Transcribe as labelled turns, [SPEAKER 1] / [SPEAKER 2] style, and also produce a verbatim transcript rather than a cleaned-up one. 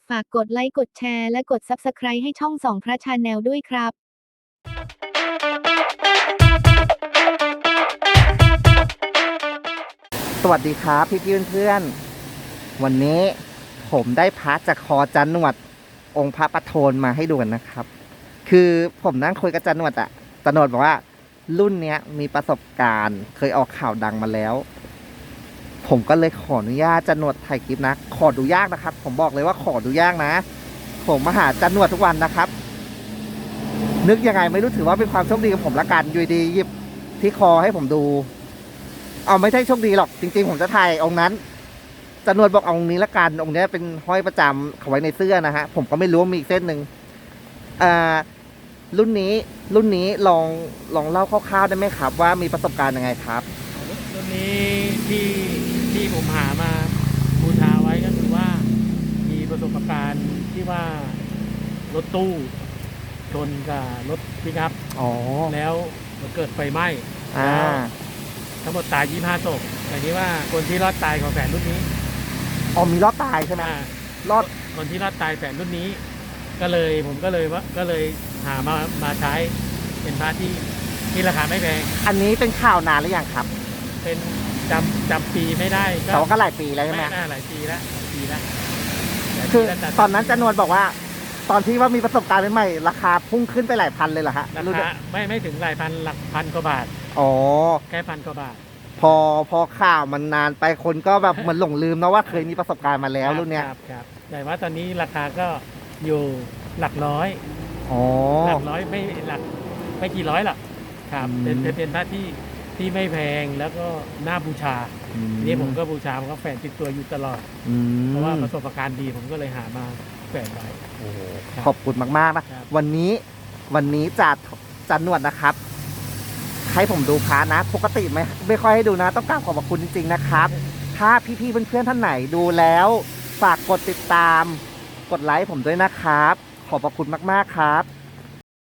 [SPEAKER 1] ฝากกดไลค์กดแชร์และกด ซับสไครบ์ ให้ช่องส่องพระชาแนลด้วยครับ
[SPEAKER 2] สวัสดีครับพี่พี่เพื่อนๆวันนี้ผมได้พระจากคอจันหนวดองค์พระประโทนมาให้ดูกันนะครับคือผมนั่งคุยกับจันหนวดอะจันหนวดบอกว่ารุ่นเนี้ยมีประสบการณ์เคยออกข่าวดังมาแล้วผมก็เลยขออนุญาตจันหนวดถ่ายคลิปนะขอดูยากนะครับผมบอกเลยว่าขอดูยากนะผมมาหาจันหนวดทุกวันนะครับนึกยังไงไม่รู้ถือว่าเป็นความโชคดีของผมละกันอยู่ดีหยิบที่คอให้ผมดูเอาไม่ใช่โชคดีหรอกจริงๆผมจะถ่ายองค์นั้นจันหนวดบอกเอาองค์นี้ละกันองค์นี้เป็นห้อยประจำเขาไว้ในเสื้อนะฮะผมก็ไม่รู้ว่ามีอีกเส้นหนึ่งอ่ารุ่นนี้รุ่นนี้ลองลองเล่าคร่าวๆได้ไหมครับว่ามีประสบการณ์ยังไงครับ
[SPEAKER 3] รุ่นนี้ที่ที่ผมหามาบูชาไว้ก็คือว่ามีประสบการณ์ที่ว่ารถตู้ชนกับรถปิกอัพ
[SPEAKER 2] อ๋อ
[SPEAKER 3] แล้วเกิดไฟไหม้
[SPEAKER 2] อ่า
[SPEAKER 3] ทั้งหมดตายยี่สิบห้าศพแต่นี้ว่าคนที่รอดตายของแฝดรุ่นนี้
[SPEAKER 2] อ๋อมีรอดตายใช่ไหมรอด
[SPEAKER 3] คนที่รอดตายแฝดรุ่นนี้ ก็เลยผมก็เลยว่าก็เลยหามามาใช้เป็นพระที่ที่ราคาไม่แพง
[SPEAKER 2] อันนี้เป็นข่าวนานหรือยังครับ
[SPEAKER 3] เป็นจำจำปีไม่ได้
[SPEAKER 2] แต่ว่าก็หลายปีแล้วใช่ไหม
[SPEAKER 3] ไม่น่าหลายปีแล้วหลายปีแล้ว
[SPEAKER 2] คือตอนนั้นจันนวลบอกว่าตอนที่ว่ามีประสบการณ์ใหม่ๆราคาพุ่งขึ้นไปหลายพันเลยเหรอฮะ
[SPEAKER 3] ราคาไม่ไม่ถึงหลายพันหลักพันกว่าบาท
[SPEAKER 2] อ๋อ
[SPEAKER 3] แค่พันกว่าบาท
[SPEAKER 2] พอพอข่าวมันนานไปคนก็แบบเหมือนหลงลืมนะว่าเคยมีประสบการณ์มาแล้วรุ่นเนี้ย
[SPEAKER 3] ครับครับแต่ว่าตอนนี้ราคาก็อยู่หลักร้อย
[SPEAKER 2] อ๋อ
[SPEAKER 3] หลักร้อยไม่หลักไม่กี่ร้อยหรอกครับเป็นเป็นพระที่ที่ไม่แพงแล้วก็น่าบูชานี่ผมก็บูชาผมก็แฝงติดตัวอยู่ตลอดเพราะว่าประสบการณ์ดีผมก็เลยหามาแฝงไว้
[SPEAKER 2] ขอบคุณมากๆนะวันนี้วันนี้จัดจันนวดนะครับให้ผมดูพระนะปกติไม่ไม่ค่อยให้ดูนะต้องกราบขอบคุณจริงๆนะครับถ้าพี่ๆเพื่อนๆท่านไหนดูแล้วฝากกดติดตามกดไลค์ผมด้วยนะครับขอบพระคุณมากๆครับ